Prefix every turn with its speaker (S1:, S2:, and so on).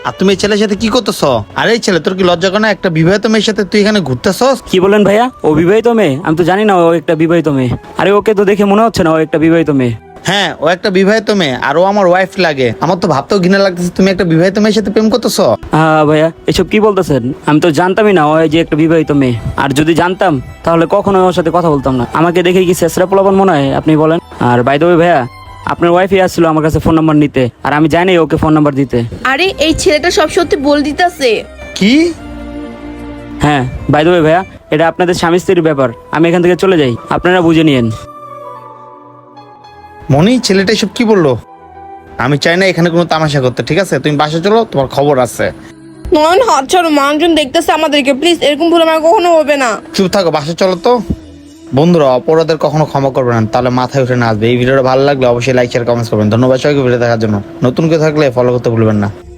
S1: আর তুমি এই ছেলের সাথে কি করতেছ? আরে এই ছেলে, তোর কি লজ্জা করে না? একটা বিবাহিত মেয়ের সাথে তুই এখানে ঘুরতেছস?
S2: কি বলেন ভাইয়া? ও বিবাহিত মেয়ে? আমি তো জানি না ও একটা বিবাহিত মেয়ে। আরে ওকে তো দেখে মনে হচ্ছে না ও একটা বিবাহিত মেয়ে।
S1: হ্যাঁ, ও একটা বিবাহিত মেয়ে, আর ও আমার ওয়াইফ লাগে। আমার তো ভাবতেও ঘৃণা লাগতেছে তুমি একটা বিবাহিত মেয়ের সাথে প্রেম করতেছ।
S2: ভাইয়া এসব কি বলতেছেন? আমি তো জানতামই না ও যে একটা বিবাহিত মেয়ে। আর যদি জানতাম তাহলে কখনো ওর সাথে কথা বলতাম না। আমাকে দেখে কি ছেঁচড়া পোলাপান মনে হয় আপনি বলেন? আর বাই দ্য ওয়ে ভাইয়া, আপনার ওয়াইফই আসছিল আমার কাছে ফোন নাম্বার নিতে, আর আমি জানি ওকে ফোন নাম্বার দিতে।
S3: আরে এই ছেলেটা সব সত্যি বল দিতেছে।
S1: কি?
S2: হ্যাঁ বাই দ্য ওয়ে ভাইয়া, এটা আপনাদের স্বামী স্ত্রীর ব্যাপার। আমি এখান থেকে চলে যাই, আপনারা বুঝে নিয়েন।
S1: মনি, ছেলেটা এসব কি বললো? আমি চাই না এখানে কোনো তামাশা করতে, ঠিক আছে? তুমি বাসা চলো, তোমার খবর আছে।
S3: নয়ন হাত ছাড়ো, মানুষজন দেখতেছে আমাদেরকে, প্লিজ এরকম ভুল আমার কখনো হবে না।
S1: চুপ থাকো, বাসা চলো তো। বন্ধুরা, অপরাধের কখনো ক্ষমা করবে না, তাহলে মাথায় উঠে না আসবে। এই ভিডিওটা ভালো লাগলে অবশ্যই লাইক শেয়ার কমেন্টস করবেন। ধন্যবাদ সবাইকে ভিডিও দেখার জন্য। নতুন কেউ থাকলে ফলো করতে ভুলবেন না।